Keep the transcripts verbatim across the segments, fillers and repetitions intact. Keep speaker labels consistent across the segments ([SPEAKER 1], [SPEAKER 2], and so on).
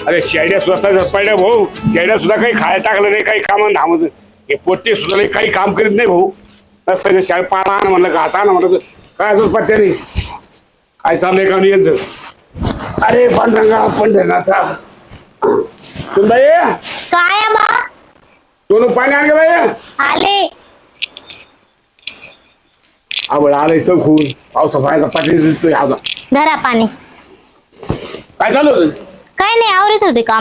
[SPEAKER 1] अरे शेड्या स्वतः पडल्या भाऊ, शेड्या सुद्धा काही खायला टाकलं नाही, काही कामं धामत हे पोट्टे सुद्धा नाही, काही काम करीत नाही भाऊ. पहिले शाळेत पाळा आण म्हणलं का आता म्हणलं काय असं पत्त्याने काय चाललंय का नाही यांचं. अरे पांढरंगा पंढरनाथा सुनबाई
[SPEAKER 2] काय आहे बा?
[SPEAKER 1] सोनू पाणी आण गे बाई.
[SPEAKER 2] आले.
[SPEAKER 1] आवड आलंय चौकून पावसा पाण्याचा पाठी दिसतोय आता.
[SPEAKER 2] धरा पाणी.
[SPEAKER 1] काय चालू होतं?
[SPEAKER 2] काय नाही, आवरत होते काम.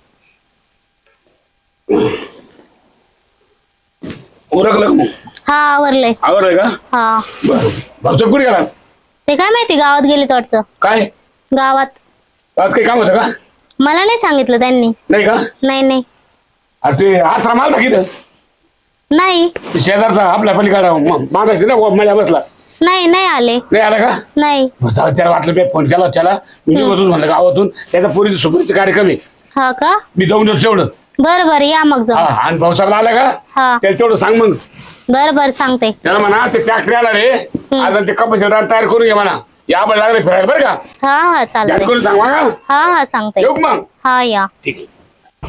[SPEAKER 1] उरकलं का मग?
[SPEAKER 2] हा आवरलंय.
[SPEAKER 1] आवडलंय का?
[SPEAKER 2] हा.
[SPEAKER 1] बरं भाऊसाहेब कुठे गेला?
[SPEAKER 2] ते काय माहिती, गावात गेलेत वाटतं.
[SPEAKER 1] काय
[SPEAKER 2] गावात
[SPEAKER 1] आज काही काम होतं का?
[SPEAKER 2] मला नाही सांगितलं त्यांनी.
[SPEAKER 1] नाही का?
[SPEAKER 2] नाही नाही
[SPEAKER 1] अरे ते आश्रम आलता किती
[SPEAKER 2] नाही
[SPEAKER 1] शेजारचा आपल्या पलीकडा मागायची ना माझ्या बसला
[SPEAKER 2] नाही नाही आले.
[SPEAKER 1] नाही आला का?
[SPEAKER 2] नाही.
[SPEAKER 1] जाऊ त्याला वाटलं मी फोन केला त्याला मी निघतून म्हणलं गावातून त्याचा पोरीचा सुपारीचा कार्यक्रम आहे
[SPEAKER 2] हा का?
[SPEAKER 1] मी जाऊन येतो तेवढं.
[SPEAKER 2] बरं बरं या मग
[SPEAKER 1] हा
[SPEAKER 2] जाऊ.
[SPEAKER 1] आणि भाऊसाहेब आला का
[SPEAKER 2] हा
[SPEAKER 1] त्याला तेवढं सांग मग.
[SPEAKER 2] बरं बरं सांगते.
[SPEAKER 1] त्याला म्हणा ते फॅक्टरी आला रे आता ते कपाशी तयार करून घे म्हणा. या आपण लागले फिरायला बरं का?
[SPEAKER 2] हा हा
[SPEAKER 1] जास्त
[SPEAKER 2] चालतंय.
[SPEAKER 1] करून सांग का?
[SPEAKER 2] हा हा सांगते.
[SPEAKER 1] येऊ का मग?
[SPEAKER 2] हा या.
[SPEAKER 1] ठीक आहे.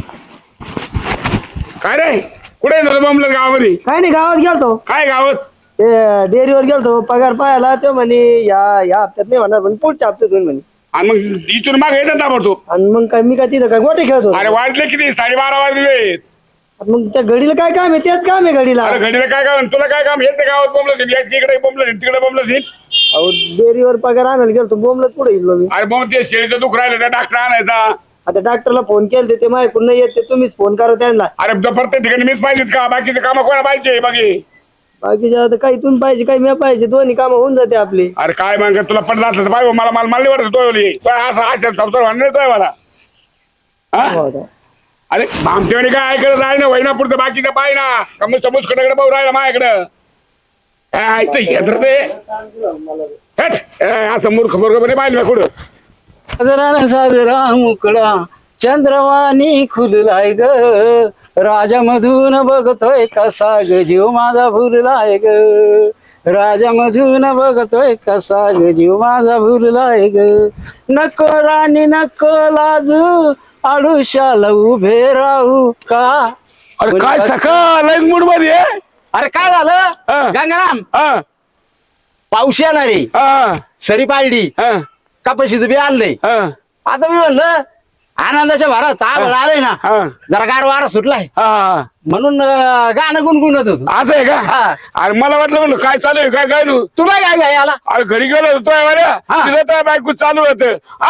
[SPEAKER 1] काय रे कुठे झालं बमलं गावामध्ये?
[SPEAKER 3] काय नाही, गावात गेलतो.
[SPEAKER 1] काय गावात?
[SPEAKER 3] ते डेअरीवर गेलतो पगार पाहायला. तो म्हणे या या हप्त्यात नाही होणार, पण पुढच्या हप्त्यात होईल म्हणे.
[SPEAKER 1] आणि मग इथून मागे येतात ताबडतो.
[SPEAKER 3] आणि मग काय मी काय तिथं काय गोटे खेळत होतो.
[SPEAKER 1] अरे वाजले किती? साडेबारा वाजले.
[SPEAKER 3] मग त्या घडीला काय काम आहे? तेच काम आहे घडीला.
[SPEAKER 1] अरे घडीला काय काम तुला काय काम येते गावात बोंबलं इकडे बोंबलं तिकडे बोंबलं
[SPEAKER 3] अहो डेअरीवर पगार आणायला गेलतो, बोंबलत पुढे गेलो मी.
[SPEAKER 1] अरे बोंब ते शेळीचं दुख राहिलं त्या डॉक्टर आणायचा.
[SPEAKER 3] आता डॉक्टरला फोन केले, ते माझ्याकडून नाही येत, ते तुम्हीच फोन करा त्यांना.
[SPEAKER 1] अरे प्रत्येक ठिकाणी मीच पाहिजेत का? बाकीचे काम कोणा पाहिजे बाकी?
[SPEAKER 3] बाकीच्या आता काही तुम्ही पाहिजे काही मी पाहिजे, दोन्ही कामं होऊन जाते आपली.
[SPEAKER 1] अरे काय मग तुला पडलं असलं तर पाहिजे मला मला मला वाटत तो असं असं संसार म्हणणार तोय मला. हा? अरे भामटेवाणी काय ऐकत राही ना वहिना पुढचं बाकीचं पाय ना कमी समोस कडे भाऊ राहिला माझ्याकडं काय येत ते हट. असं मूर्ख मूर्खपणे पाहिलं कुठं.
[SPEAKER 4] साजरा साजरा मुकडा चंद्रवाणी खुललाय ग राजामधून बघतोय कसा ग जीव माझा भुललाय ग राजामधून बघतोय कसा ग जीव माझा भुललाय ग नको राणी नको लाजू आडुशाला उभे राहू का.
[SPEAKER 1] अरे काय सकाळ मूड मध्ये आहे?
[SPEAKER 4] अरे काय
[SPEAKER 1] हा.
[SPEAKER 4] झालं गंगाराम?
[SPEAKER 1] हा
[SPEAKER 4] पाऊस येणार आहे,
[SPEAKER 1] हा
[SPEAKER 4] सरी पाळली,
[SPEAKER 1] हा
[SPEAKER 4] कपाशीचं बी आणलंय.
[SPEAKER 1] हा
[SPEAKER 4] आता मी म्हणलं आनंदाच्या भरात आभाळ आलंय ना,
[SPEAKER 1] हा
[SPEAKER 4] जरा गार वारा सुटलाय
[SPEAKER 1] हा
[SPEAKER 4] म्हणून अं, गाणं गुणगुणत होतो.
[SPEAKER 1] असं आहे का?
[SPEAKER 4] हा.
[SPEAKER 1] अरे मला वाटलं म्हणलं काय चालू आहे काय काय नू.
[SPEAKER 4] तुला काय काय आला?
[SPEAKER 1] अरे घरी गेलो होतो
[SPEAKER 4] हा.
[SPEAKER 1] तिथं त्या बायको चालू होत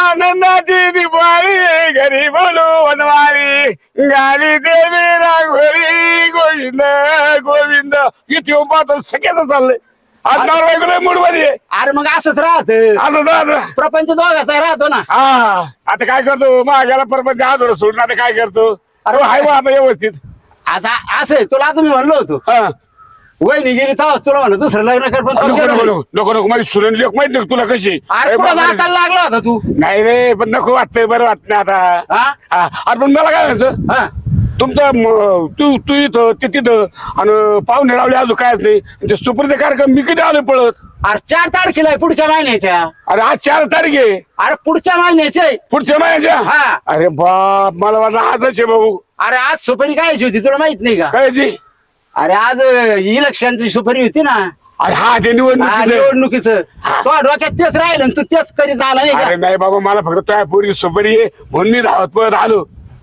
[SPEAKER 1] आनंदाची दिवाळी घरी बोलू वनवारी गाली देवी रांगोळी गोविंद गोविंद इथे उभा सगळ्याच चाललंय. आज नवरा बायको मूड मध्ये आहे.
[SPEAKER 4] अरे मग असंच राहत,
[SPEAKER 1] असं राहतं.
[SPEAKER 4] प्रपंच दोघाचा राहतो ना.
[SPEAKER 1] हा आता काय करतो माझ्याला परपंच आजोर सोडून आता काय करतो. अरे हाय बा आता व्यवस्थित.
[SPEAKER 4] आता असं आहे, तुला आता मी म्हणलो होतो
[SPEAKER 1] हा
[SPEAKER 4] वहिनी गेली तेव्हाच तुला म्हणलं दुसरं लग्न कर, पण तू
[SPEAKER 1] नको
[SPEAKER 4] केलं
[SPEAKER 1] नको
[SPEAKER 4] नाही.
[SPEAKER 1] नको नको नको माझी सुरण लेख माहित नाही का तुला कशी.
[SPEAKER 4] अरे
[SPEAKER 1] अरे
[SPEAKER 4] कुठं
[SPEAKER 1] बापरे.
[SPEAKER 4] जाताना लागला होता तू?
[SPEAKER 1] नाही रे पण नको वाटतंय बरं वाटत नाही आता.
[SPEAKER 4] हा?
[SPEAKER 1] हा, अरे पण मला काय म्हणायचं
[SPEAKER 4] हा.
[SPEAKER 1] तुमचं म, तू तू इथं ते तिथं आणि पाहुणे रावले अजून कायच नाही ते सुपरचे कार्यक्रम मी कधी आलो पळत.
[SPEAKER 4] अरे चार तारखेला आहे पुढच्या महिन्याच्या.
[SPEAKER 1] अरे आज चार तारीख आहे
[SPEAKER 4] अरे पुढच्या महिन्याचे आहे.
[SPEAKER 1] पुढच्या महिन्याच्या.
[SPEAKER 4] हा.
[SPEAKER 1] अरे बाप मला वाटलं आजच आहे भाऊ.
[SPEAKER 4] अरे आज सुपारी कायची होती तुला माहित नाही का?
[SPEAKER 1] काय जी?
[SPEAKER 4] अरे आज इलेक्शनची सुपारी होती ना.
[SPEAKER 1] अरे हा ते
[SPEAKER 4] हा,
[SPEAKER 1] निवडणूक.
[SPEAKER 4] निवडणुकीचं तो डोक्यात तेच राहिलं आणि तू तेच करीत आला नाही
[SPEAKER 1] अरे
[SPEAKER 4] का?
[SPEAKER 1] नाही बाबा मला फक्त तुझ्या पोरी सुपारी आहे म्हणून मी धावत पळत आलो.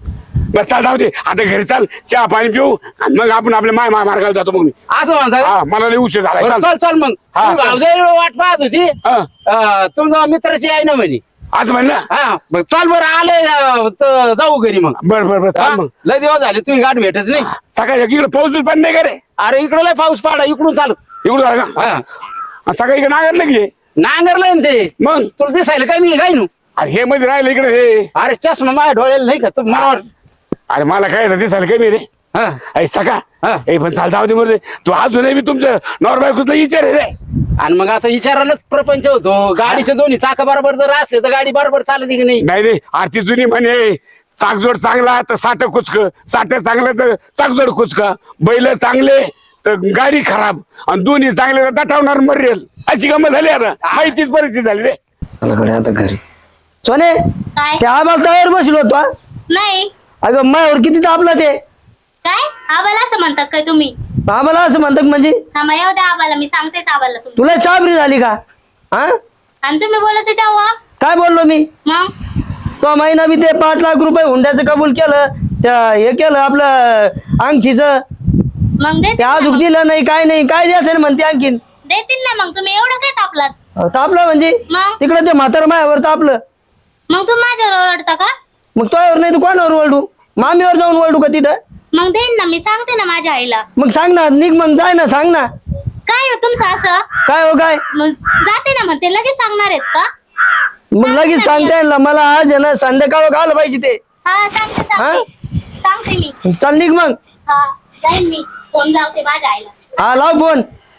[SPEAKER 1] बस चाल जाऊ दे आता घरी चाल चहा पाणी पिऊ आणि मग आपण आपल्या माय माय मार्गाला जातो. मग मी
[SPEAKER 4] असं म्हणता का?
[SPEAKER 1] हा मला लई उशीर झाला.
[SPEAKER 4] बरं,
[SPEAKER 1] चाल.
[SPEAKER 4] चल चल मग
[SPEAKER 1] हा,
[SPEAKER 4] तू
[SPEAKER 1] चल.
[SPEAKER 4] भावजाई वाट पाहत होती.
[SPEAKER 1] हा.
[SPEAKER 4] अं, तुमच्या मित्राची आहे ना म्हणे.
[SPEAKER 1] आज म्हणलं
[SPEAKER 4] हा मग चाल बरं आले अं, तर जाऊ घरी मग.
[SPEAKER 1] बर बर बर
[SPEAKER 4] हा?
[SPEAKER 1] चाल मग.
[SPEAKER 4] लय दिवस झाले तुम्ही गाठ भेटच नाही.
[SPEAKER 1] सकाळच्या इकडे पाऊस पण नाही का रे?
[SPEAKER 4] अरे इकडे लय पाऊस पाडा इकडून चालू.
[SPEAKER 1] इकडून झाला का?
[SPEAKER 4] हा
[SPEAKER 1] आणि सकाळी इकडे नागर की
[SPEAKER 4] नांगरलंय ना ते.
[SPEAKER 1] मग
[SPEAKER 4] तुला दिसायला काय मी काय नू?
[SPEAKER 1] अरे हे मध्ये राहिलं इकडे हे.
[SPEAKER 4] अरे चष्मा माझ्या डोळ्याला नाही का तू मला वाट-
[SPEAKER 1] अरे मला काय झालं दिसायला कमी रे.
[SPEAKER 4] हा
[SPEAKER 1] अरे सका
[SPEAKER 4] हा.
[SPEAKER 1] ए पण चाल जाऊ दे मध्ये तू अजूनही मी तुमचं नॉर्मल कुठला विचार आहे रे.
[SPEAKER 4] आणि मग असं विचारायलाच प्रपंच होतो. गाडीचे दोन्ही चाक बरोबर जर असले तर गाडी बरोबर चालते की नाही?
[SPEAKER 1] नाही रे आरती जुनी म्हणे चाकजोड चांगला तर साठ कुचक साठ चांगलं तर चाकजोड कुचका बैल चांगले तर गाडी खराब आणि दोन्ही चांगले तर दटावणार मरेल अशी गमत झाली आता. माहितीच परिस्थिती झाली रे.
[SPEAKER 3] आता घरी सोने
[SPEAKER 2] काय?
[SPEAKER 3] त्या आबाल तयार बसलो होतो हा.
[SPEAKER 2] नाही.
[SPEAKER 3] अगं मायावर किती तापलं ते.
[SPEAKER 2] काय आबाला असं म्हणतात काय तुम्ही?
[SPEAKER 3] आम्हाला असं म्हणतात म्हणजे
[SPEAKER 2] हा मग येऊ द्या आबाला, मी सांगतेच आबाला तुम्ही.
[SPEAKER 3] तुला चाबरी झाली का? हा
[SPEAKER 2] आणि तुम्ही बोलत होते तेव्हा
[SPEAKER 3] काय बोललो मी?
[SPEAKER 2] मग
[SPEAKER 3] तो महिना बी ते पाच लाख रुपये हुंड्याचं कबूल केलं, त्या हे केलं आपलं अंगठीचं,
[SPEAKER 2] मग
[SPEAKER 3] ते
[SPEAKER 2] देतील ना
[SPEAKER 3] अजून
[SPEAKER 2] मग.
[SPEAKER 3] दिलं नाही काय नाही, काय द्यायचं ना म्हणते आणखीन.
[SPEAKER 2] देतील ना मग, तुम्ही एवढं काय तापलात?
[SPEAKER 3] अहो, तापलं म्हणजे
[SPEAKER 2] मग
[SPEAKER 3] तिकडे ते म्हातार मायावर तापलं.
[SPEAKER 2] मग तुम्ही माझ्यावर ओरडता का?
[SPEAKER 3] मग तोवर नाही तर कोणावर ओरडू? मामीवर जाऊन ओरडू का तिथं?
[SPEAKER 2] मग देईन ना, मी सांगते ना माझ्या आईला.
[SPEAKER 3] मग सांग ना, निघ मग जाय ना, सांग ना
[SPEAKER 2] काय हो तुमचं असं?
[SPEAKER 3] काय हो काय.
[SPEAKER 2] मग जाते ना, म्हणते लगेच सांगणार आहेत का?
[SPEAKER 3] मग लगेच सांगता येईल ना मला, आज आहे ना संध्याकाळ घालं पाहिजे ते.
[SPEAKER 2] हा सांगते सांगते सांगते मी.
[SPEAKER 3] चल निघ मग.
[SPEAKER 2] हा जाईन मी, फोन लावते माझ्या आईला.
[SPEAKER 3] हा लाव फोन,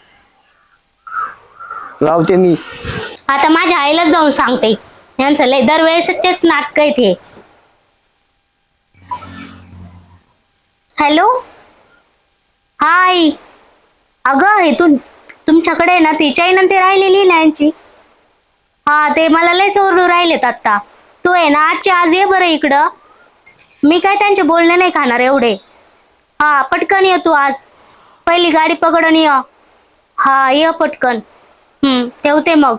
[SPEAKER 3] लावते मी.
[SPEAKER 2] आता माझ्या आईलाच जाऊन सांगते. यांचं लय दरवेळेसचेच नाटक आहेत हे. Hello hi. अगं इथून तुमच्याकडे आहे ना ती चैन ते राहिलेली ना यांची. हा ते मला लयच ओरडू राहिलेत आता. तू आहे ना आजच्या आज ये बरं इकडं. मी काय त्यांचे बोलणे नाही खाणार एवढे. हा पटकन ये तू आज, पहिली गाडी पकडून ये. हा ये पटकन. हम्म ठेवते मग.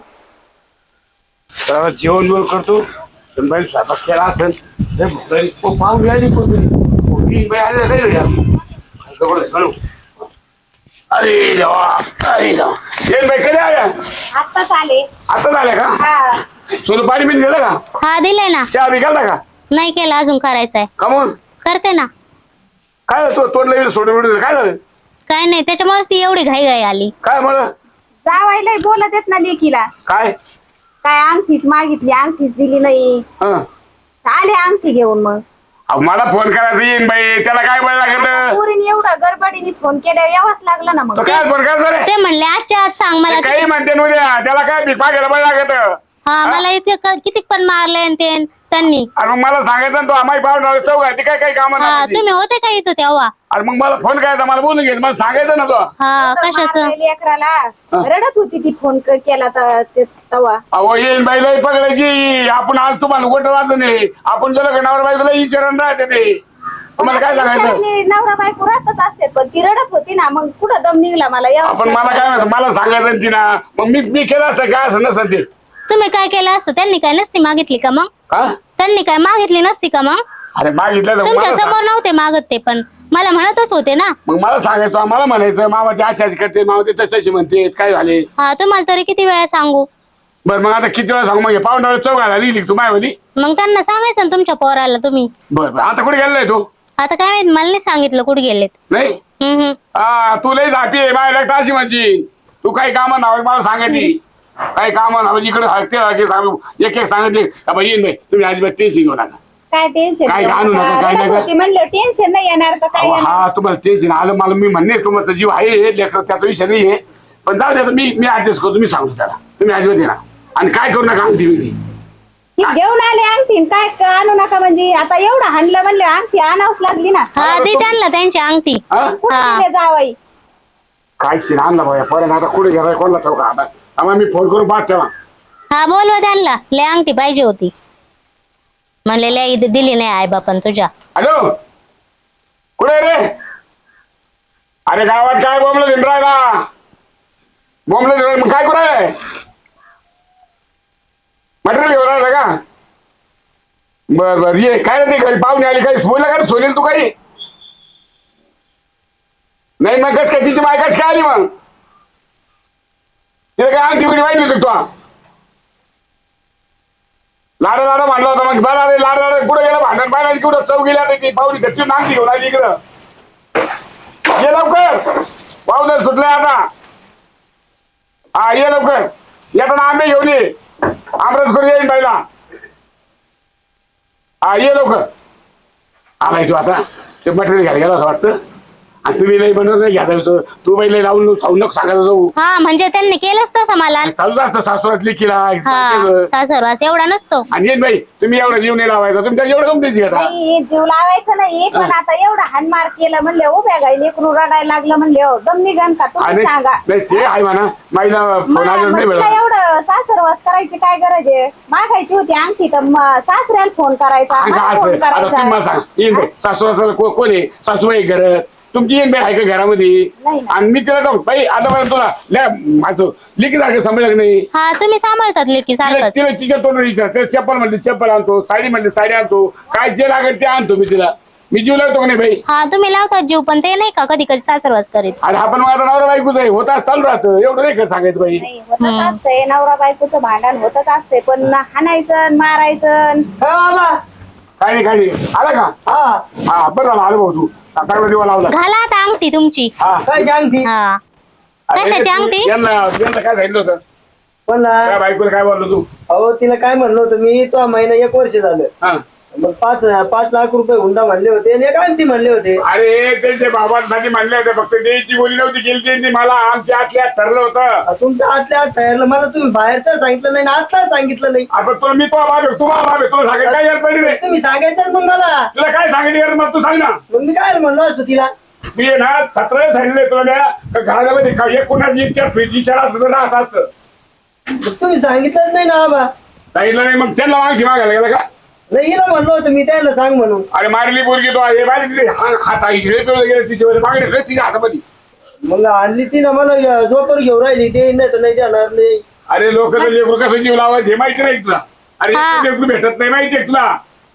[SPEAKER 1] तर जेवण बिवण करतो. बाई स्वयंपाक केला असेल. हे बाई, ओ, पाहुणे आली कोणतरी. पोरगी बाई आली काय घरी आज? काय खबर आहे? हॅलो. अरे देवा, अरे देवा. येईन बाई कधी आल्या?
[SPEAKER 2] आत्ताच आले.
[SPEAKER 1] आता झाल्या का? सोनं पाणी बिन गेलं का?
[SPEAKER 2] हा दिलंय ना.
[SPEAKER 1] चहा बी केला का?
[SPEAKER 2] नाही केला अजून, करायचंय.
[SPEAKER 1] कमून
[SPEAKER 2] करते ना.
[SPEAKER 1] काय झालं? तो तोंडला येईल सोडून बिडून काय झालं?
[SPEAKER 2] काय नाही, त्याच्यामुळेच ती एवढी घाई घाई आली.
[SPEAKER 1] काय म्हणलं?
[SPEAKER 5] जावायला बोलत येत ना लेकीला.
[SPEAKER 1] काय?
[SPEAKER 5] काय अंगठीच मागितली, अंगठीच दिली नाही.
[SPEAKER 1] हं.
[SPEAKER 5] आले अंगठी घेऊन. मग
[SPEAKER 1] अहो, मला फोन करायचा येईन बाई, त्याला काय बळ लागत?
[SPEAKER 5] पोरीने एवढं गडबडीने फोन केल्यावर यावंच लागलं ना. मग
[SPEAKER 1] तो काय फोन करायचा रे?
[SPEAKER 2] ते म्हणले आजच्या आज सांग मला.
[SPEAKER 1] काही म्हणते न उद्या, त्याला काय भिकपा घ्यायला बळ लागत?
[SPEAKER 2] हा मला इथे क- किती पण मारले आणि ते त्यांनी.
[SPEAKER 1] अरे मग मला सांगायचं ना, तो आम्ही पाहुणार चौघ आहे, ती काय काही काम
[SPEAKER 2] हा तुम्ही होते का इथं तेव्हा?
[SPEAKER 1] अरे मग मला फोन करायचा, मला बोलून घे, मला सांगायचं ना तो.
[SPEAKER 2] हा कशाचं?
[SPEAKER 5] मारलंय लेकराला. रडत होती ती फोन क- केला त- ते- तवा.
[SPEAKER 1] अहो येईन बाईला पकडायची. आपण आज तुम्हाला गोट वाजून नाही, आपण गेलो का नवरा बायकोला विचारून राहते ते. तुम्हाला काय सांगायचं?
[SPEAKER 5] बिचारीने नवरा बायको राहतच असते, पण ती रडत होती ना. मग कुठं दम निघला मला यावंच
[SPEAKER 1] आपण मला
[SPEAKER 5] लागलं.
[SPEAKER 1] काय म्हणतो, मला सांगायचं ना तिना. मग मी मी केलं असतं काय असं नसतं ते.
[SPEAKER 2] तुम्ही काय केलं असतं? त्यांनी काय नसती मागितली का मग?
[SPEAKER 1] का?
[SPEAKER 2] त्यांनी काय मागितली नसती का मग?
[SPEAKER 1] अरे मागितलं तर
[SPEAKER 2] तुमच्या
[SPEAKER 1] मला
[SPEAKER 2] समोर
[SPEAKER 1] सांग.
[SPEAKER 2] नव्हते मागत ते, पण मला म्हणतच होते ना.
[SPEAKER 1] मग मला सांगायचं, मला म्हणायचं मामा ते अशी अशी करते, मामा ते तशी तशी म्हणते, काय झाले?
[SPEAKER 2] हा तुम्हाला तरी किती वेळा सांगू?
[SPEAKER 1] बरं मग आता किती वेळा सांगू? मग पाहुण्यावर चौघाला लिहिली तू मायवली.
[SPEAKER 2] मग त्यांना सांगायचं ना तुमच्या पोराला तुम्ही.
[SPEAKER 1] बरं बरं, आता कुठे गेलाय तू?
[SPEAKER 2] आता काय माहित, मला नाही सांगितलं कुठे गेलेत.
[SPEAKER 1] नाही.
[SPEAKER 2] हम्म हम्म.
[SPEAKER 1] हा तू लई झापी आहे माझ्या लग्न अशी म्हणजे. तू काही कामं नाव मला सांगायची, काही कामं नाव इकडे हरते हरते सांगू, एक एक सांगितले का बाई येईन बाई, तुम्ही अजिबात टेन्शन घेऊ नका.
[SPEAKER 5] काय टेन्शन
[SPEAKER 1] काय घालू नका, काय नका.
[SPEAKER 5] म्हणलं टेन्शन नाही येणार तर काय
[SPEAKER 1] अहो,
[SPEAKER 5] येणार?
[SPEAKER 1] हा तुम्हाला टेन्शन आलं, मला मी म्हणणे तुमचा जीव आहे लेकरं, त्याचा विषय नाही आहे. पण जाऊ द्या, मी मी ऍडजस्ट करतो, मी सांगतो त्याला. तुम्ही अजिबात येणार आणि काय करू नका अंगठी बिंगठी.
[SPEAKER 5] ती घेऊन आले अंगठी, काय क- आणू नका म्हणजे. आता एवढं हाणलं म्हणलं अंगठी आणावंच लागली ना.
[SPEAKER 2] हा दे त्यांना त्यांची अंगठी.
[SPEAKER 1] हा?
[SPEAKER 5] कुठे
[SPEAKER 2] हा.
[SPEAKER 5] दिले जावाई?
[SPEAKER 1] काय शिन आणला भाऊ पर्यंत, आता कुठे गेलाय कोणाला ठाऊक आता. आम्हाला मी फोन करून पाठ ठेवा.
[SPEAKER 2] हा बोलवा त्यांना, लय अंगठी पाहिजे होती. म्हणले लय इथे दिली नाही आई बापन तुझ्या.
[SPEAKER 1] हॅलो, कुठे रे? अरे गावात काय बोंबलं भिंडरायला, बोंबलं मग काय करू राहिलाय? मटेरियल घेऊन राहिला का? बर बर ये. काय रे ते घरी पाहुणे आली, काही बोलला का सोनेल तू काही? नाही मग कस काय तिची बाय कस काय आली मग? तिला काय अंगठी बिडी माहिती होती तू? लाडा लाडा भांडला होता मग. बरं अरे लाडा लाडा कुठं गेला भांडण पाहिला, कुठं चौ गेला ती पाहुणी घरची नांगठी घेऊन आली इकडं. ये लवकर, पाहुणे सुटले आता. हा ये लवकर, येताना आंबे घेऊन ये, आमरस करून येईन बाईला. हा ये लवकर. आलाय तू आता, ते मटेरियल घ्यायला गेला असं वाटतं. आणि तुम्ही नाही म्हणत नाही घ्या तू पहिले लावून चावून नको सांगायला जाऊ
[SPEAKER 2] हा म्हणजे त्यांनी केलंच तसं मला.
[SPEAKER 1] चालू असतं सासुरातली किला
[SPEAKER 2] हा सासरवास एवढा नसतो.
[SPEAKER 1] आणि येत बाई तुम्ही एवढा जीव नाही लावायचा तुमच्या एवढं तुमची घेता
[SPEAKER 5] नाही जीव लावायचं नाही पण आता एवढा हानमार केलं म्हणले उभ्या गाई लेकरू रडायला लागलं म्हणले हो दम निघन का तुम्ही
[SPEAKER 1] आणि
[SPEAKER 5] सांगा.
[SPEAKER 1] नाही ते आहे म्हणा माईला फोन आला
[SPEAKER 5] मग
[SPEAKER 1] नाही
[SPEAKER 5] तिला
[SPEAKER 1] वेळा
[SPEAKER 5] एवढं सासरवास करायची काय गरज आहे मागायची होती अंगठी तर म- सासऱ्याला फोन करायचा मला
[SPEAKER 1] असं
[SPEAKER 5] फोन
[SPEAKER 1] आता तुम्ही मला
[SPEAKER 5] करायचा.
[SPEAKER 1] सांग येईन बाई सासू कोण आहे सासूबाई घरात तुमची येईन बाई आहे का घरामध्ये
[SPEAKER 5] नाही ना.
[SPEAKER 1] आणि मी तिला जाऊ बाई आता मला तुला लय माझं लिखी सारखं समजलं नाही
[SPEAKER 2] हा तुम्ही सांभाळतात लेकी
[SPEAKER 1] तिला
[SPEAKER 2] सारखंच.
[SPEAKER 1] तिला तिच्या तोंड विचार तिला चप्पल म्हणली चप्पल आणतो साडी म्हणली साडी आणतो काय जे लागेल ते आणतो मी तिला मी जीव लागतो का नाही बाई
[SPEAKER 2] हा तुम्ही लावतात जीव पण ते नाही का कधी कधी सासरवास करीत.
[SPEAKER 1] आणि आपण माझा नवरा बायकोच आहे होता चालू राहतं एवढं नाही का सांगायचं बाई
[SPEAKER 5] नाही होतच असतंय नवरा बायकोचं भांडण होतच असते पण हाणायचं मारायचं
[SPEAKER 3] हा बाबा
[SPEAKER 1] काय नाही काय नाही आला का
[SPEAKER 3] हा
[SPEAKER 1] हा बरं झालं आलो भाऊ तू चांगला दिवा लावला
[SPEAKER 2] घाला आता अंगठी तुमची.
[SPEAKER 1] हा
[SPEAKER 3] काय सांगती
[SPEAKER 2] हा
[SPEAKER 1] अरे,
[SPEAKER 2] कशाची अंगठी?
[SPEAKER 1] यांना यांना काय सांगितलं होतं
[SPEAKER 3] पण ना
[SPEAKER 1] त्या बायकोला काय बोललो तू
[SPEAKER 3] अहो तिला काय म्हणलं होतं मी तो महिना एक वर्ष झालं
[SPEAKER 1] हा
[SPEAKER 3] मग पाच पाच लाख रुपये हुंडा म्हणले होते आणि एक अंगठी म्हणले होते.
[SPEAKER 1] अरे त्यांच्या बाबांसाठी म्हणले होते फक्त द्यायची बोली नव्हती केली त्यांनी मला आमच्या आतल्या ठरलं होतं
[SPEAKER 3] आ, तुमच्या आतल्या आत ठरलं मला तुम्ही बाहेरचं सांगितलं नाही आणि आतला सांगितलं नाही.
[SPEAKER 1] आपण तुला मी तो बाब आहे तुम्हाला बाब आहे तुला सांगायचं काय यार पडली नाही
[SPEAKER 3] तुम्ही सांगायचं मग मला
[SPEAKER 1] तुला काय सांगितलं यार मग तू सांग ना
[SPEAKER 3] मग मी काय म्हणलो असतो तिला.
[SPEAKER 1] मी आहे ना सतरा सांगितलं तुला द्या का घरामध्ये का एक कोणाची इच्छा फ्रीज इच्छा असतं तर राहत असतं
[SPEAKER 3] मग तुम्ही सांगितलंच नाही ना बाबा.
[SPEAKER 1] सांगितलं नाही मग त्यांना मागची मागायला गेला का
[SPEAKER 3] नाही हिला म्हणलो होतो मी त्याला सांग म्हणून.
[SPEAKER 1] अरे मारली पोरगी तो आहे माझी तिथे हात आहे गेले तिच्यावर मागणी तिच्या हातामध्ये
[SPEAKER 3] मग आणली ती ना मला झोपर घेऊन राहिली ते नाही तर नाही जाणार नाही.
[SPEAKER 1] अरे लोक लेकरू कसं जीव लावायचे माहिती नाही तुला अरे
[SPEAKER 2] हा.
[SPEAKER 1] लेकरू भेटत नाही माहितीये तुला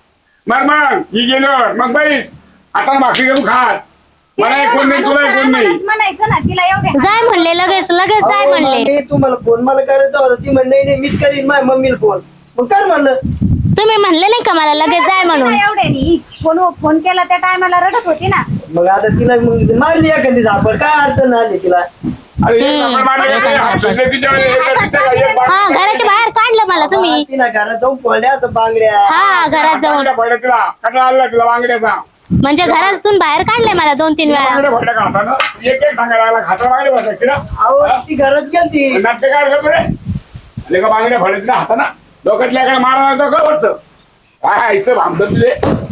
[SPEAKER 1] मग मग ही गेलो मग बाई आता भाकरी घेऊन खात मला एक कोण नाही तुला एक कोण नाही
[SPEAKER 5] म्हणायचं ना तिला एवढे
[SPEAKER 2] जाय म्हणले लगेच लगेच जाय
[SPEAKER 3] अहो,
[SPEAKER 2] म्हणले.
[SPEAKER 3] मी तुम्हाला फोन मला करायचा होता ती म्हणली नाही नाही, मीच करीन माझ्या मम्मीला फोन. मग कर म्हणलं.
[SPEAKER 2] तुम्ही म्हणले नाही का मला लगेच जाय म्हणून.
[SPEAKER 5] एवढे नाही फोन फोन केला त्या टायमाला रडत होती ना.
[SPEAKER 3] मग आता तिला मग मारली एखादी झापड काय अडचण आली तिला.
[SPEAKER 1] अरे एक नंबर मारले गेले, हातातले तिच्यावर एक- तिच्या- एक बाग-
[SPEAKER 2] हा घराच्या बाहेर काढलं मला तुम्ही.
[SPEAKER 3] तिला घरात जाऊन पडल्या असं बांगड्या.
[SPEAKER 2] हा घरात जाऊन
[SPEAKER 1] बांगड्या फोडल्या तिला कंटाळा आला तिला बांगड्याचा
[SPEAKER 2] म्हणजे घरातून बाहेर काढले मला दोन तीन वेळा.
[SPEAKER 1] बांगड्या फोडल्या का हातानं एक एक सांगायला लागला हाता बांगड्या फोडल्या तिला
[SPEAKER 3] अहो ती घरात गेलती.
[SPEAKER 1] नाट्य काय करतो रे आणि का बांगड्या फोडल्या तिला हाताना डोक्यातल्या काय मारा का वाटतं काय इथं भामतं तुझे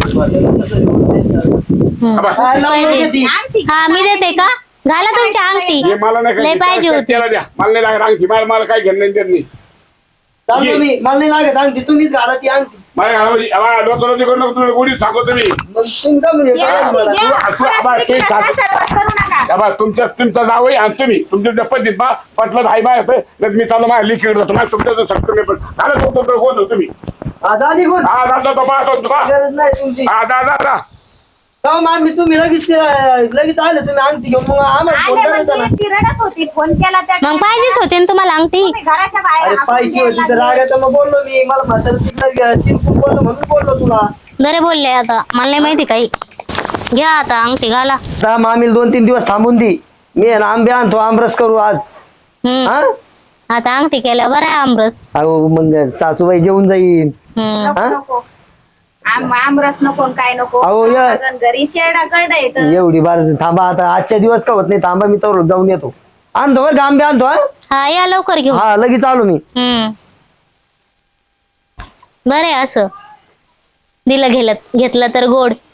[SPEAKER 3] काय लावलं होतं ती?
[SPEAKER 5] आणती.
[SPEAKER 2] हा मी देते का घाला तुमची अंगठी.
[SPEAKER 1] हे मला नाही
[SPEAKER 2] लय
[SPEAKER 1] खायची.
[SPEAKER 2] पाहिजे
[SPEAKER 1] त्याला-
[SPEAKER 2] होती.
[SPEAKER 1] त्याला द्या मला नाही लागत अंगठी मला मला काय घेणं नाही देत नाही
[SPEAKER 3] चाललो मी मला नाही लागत अंगठी तुम्हीच घाला ती अंगठी.
[SPEAKER 1] मला घालावं डोकं करू नको तुला गोडी सांगतो तुम्ही
[SPEAKER 3] मग तुम्ही का म्हणे
[SPEAKER 5] या,
[SPEAKER 3] काय मला?
[SPEAKER 5] या,
[SPEAKER 1] असं- असं- आबा, ते
[SPEAKER 5] तिला
[SPEAKER 1] सांग.
[SPEAKER 5] सासरवास करू नका.
[SPEAKER 1] बाबा तुमच्या तुमचा जाव आहे आणि तुम्ही तुमच्या पद्धतीत बा पटलं हाय बाय मी चालू माझ्या लिखित जातो माझ्या तुमच्या सक्त नाही पण झालं तो तो होतो तुम्ही
[SPEAKER 3] हा, झाली गोष्ट.
[SPEAKER 1] हा जातो तो पाहतो तो पहा.
[SPEAKER 3] गरज नाही तुमची.
[SPEAKER 1] हा जा जा जा
[SPEAKER 3] का मामी तुम्ही लगेच ते- लगेच आले तुम्ही अंगठी घेऊन मग आम्हाला फोन
[SPEAKER 5] आले
[SPEAKER 3] करायचा ना.
[SPEAKER 5] म्हणजे ती रडत होती फोन केला त्या
[SPEAKER 2] मग पाहिजेच होते ना तुम्हाला अंगठी.
[SPEAKER 5] तुम्ही घराच्या बाहेर
[SPEAKER 3] अरे
[SPEAKER 5] हाकून
[SPEAKER 3] पाहिजे
[SPEAKER 5] द्यायला
[SPEAKER 3] होती तर
[SPEAKER 5] लागले.
[SPEAKER 3] रागात मग बोललो मी मला म्हातारा तिकडे चिरकून बोललो म्हणून बोललो तुला.
[SPEAKER 2] बरे बोलले आता मला नाही माहिती काही. घ्या आता अंगठी घाला.
[SPEAKER 3] आता मामीला दोन तीन दिवस थांबून दी मी आहे ना आंबे आणतो आमरस करू आज.
[SPEAKER 2] हम्म
[SPEAKER 3] हा
[SPEAKER 2] आता अंगठी केल्या बरं आहे आमरस.
[SPEAKER 3] अहो मग सासूबाई जेवून जाईन.
[SPEAKER 2] हम्म
[SPEAKER 5] नको
[SPEAKER 3] हा?
[SPEAKER 5] नको आम- आमरस नको न काय नको
[SPEAKER 3] अहो, या-
[SPEAKER 5] आपण घरी शेडा करडा येत
[SPEAKER 3] एवढी बार थांबा आता आजच्या दिवस का होत नाही थांबा मी तर जाऊन येतो. आणतो बरं का आंबे आणतो हा
[SPEAKER 2] हा या लवकर घेऊ.
[SPEAKER 3] हा लगेच आलो मी.
[SPEAKER 2] हम्म बरं आहे असं दिलं घेलं घेतलं तर गोड.